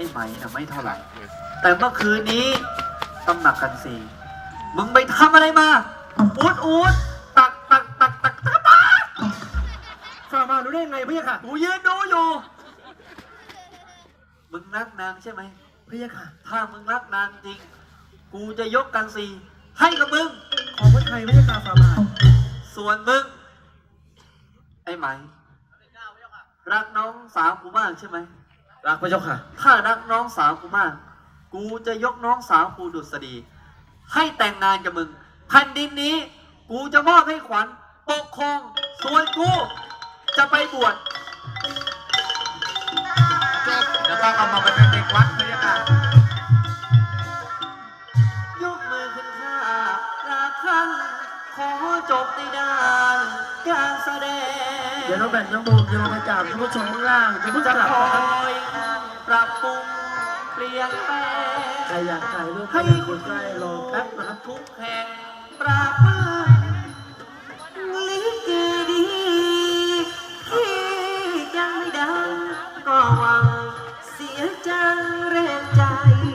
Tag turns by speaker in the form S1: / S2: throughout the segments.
S1: อ้ไหมนะไม่เท่าไหร่แต่เมื่อคืนนี้ตำหนักกันสีมึงไปทำอะไรมาอูดตัก
S2: ฝ่ามารู้ได้ไงพี่ค่ะ
S1: กูยืนดูอยู่มึงรักนางใช่ไหม
S2: พี่ค่ะ
S1: ถ้ามึงรักนางจริงกูจะยกกันสีให้กับมึง
S2: ของพระไทยพี่ค่ะฝ่ามา
S1: ส่วนมึงไอ้ไหมรักน้องสาวกูมากใช่ไหม
S2: รักพระเจ้าค่ะ
S1: ถ้ารักน้องสาวกูมากกูจะยกน้องสาวกูดุษฎีให้แต่งงานกับมึงแผ่นดินนี้กูจะมอบให้ขวัญปกครองส่วนกูจะไปบวช
S2: จบจะต้องเอามาเป็นเด็กวัดพี่ค่ะ
S1: ยกมือขึ้นข้าราคันขอจบในด้านการแสดง
S2: เดี๋ยวเราแบ่งน้ำมูกเดี๋ยวเราไปจับท่านผู้ชมข้างล่างจะผู้จัดค
S1: อยปรับปรุงเปลี่ยนแปลง
S2: ใครอยากถ่ายรูปให้คนใกล้รอแป๊บนะครับ
S1: ทุกแห่งปราบมือลิเกดีที่ยังไม่ดังก็หวังเสียจังแรงใจ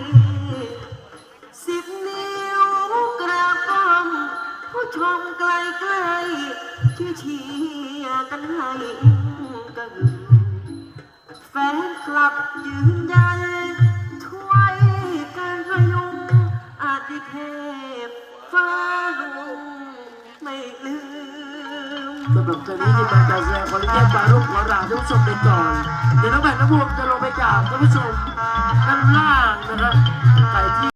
S1: 10 นิ้วกราบป้อมผู้ชมไกลๆช่วยเชียร์กันให้กระหึ่มแฟนคลับยืนยันช่วยกันพยุงอาทิเทพฟ้าลุงไม่ลืม
S2: สำหรับตัวนี้ที่มาการแสดงขออนุญาตปารูปขอลาท่านผู้ชมไปก่อนเดี๋ยวน้องแบ่งน้ำมูกจะลงไปจับท่านผู้ชมด้านล่างนะครับใครที่